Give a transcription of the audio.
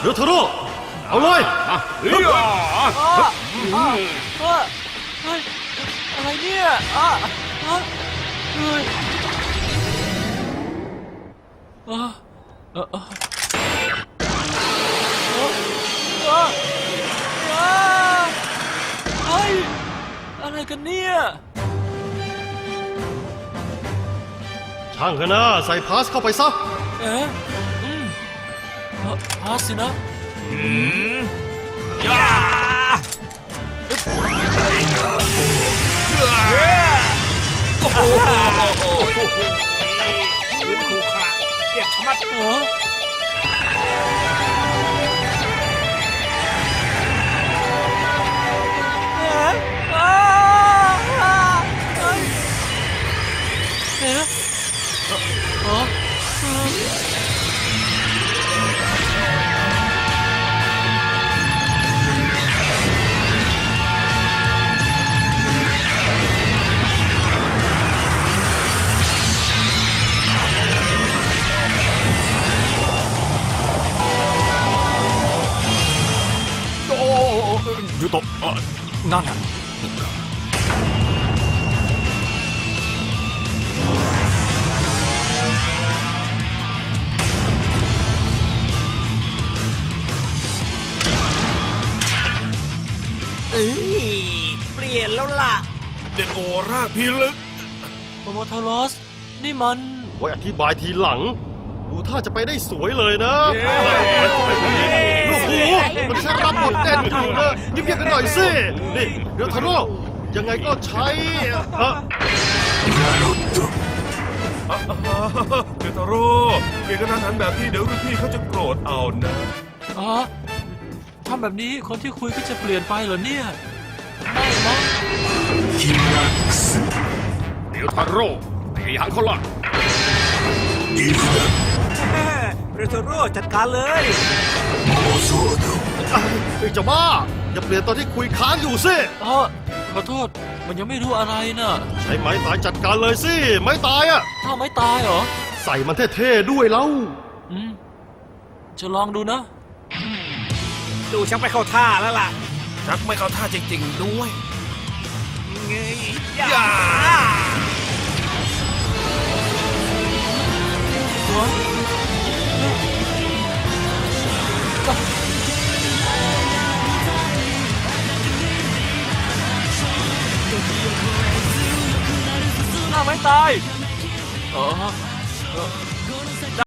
เดี๋ยวเทโร่เอาเลยเฮ้ยอะไรเนี่ยเฮ้ยอะไรกันเนี่ยช่างเถอะนะใส่พาสเข้าไปซะพาสสินะย่าโอ้โหถูกขาเจ็บชะมัดยูโตะนั่นเปลี่ยนแล้วล่ะเด็ดโอร่าพิลึกโมโมทารอสนี่มันไว้อธิบายทีหลังดูถ้าจะไปได้สวยเลยนะลูกหมูมันแค่รับบทเด่นอยู่นะเงียบๆกันหน่อยสินี่เดี๋ยวเทโร่ยังไงก็ใช้เดทาโร่เปลี่ยนกระทันหันแบบนี้เดี๋ยวรุ่นพี่เขาจะโกรธเอานะทำแบบนี้คนที่คุยก็จะเปลี่ยนไปเหรอเนี่ยไม่มั้งเดี๋ยวทาโร่ตีหังเขาละเดทาโร่จัดการเลยไอ้เจ้าบ้าอย่าเปลี่ยนตอนที่คุยค้างอยู่สิขอโทษมันยังไม่รู้อะไรน่ะใช้ไม้ตายจัดการเลยสิไม้ตายอ่ะถ้าไม้ตายเหรอใส่มันเท่ๆด้วยเล่าจะลองดูนะดูชักไม่เข้าท่าแล้วล่ะชักไม่เข้าท่าจริงๆด้วยเงยย่าหน้าไม่ตาย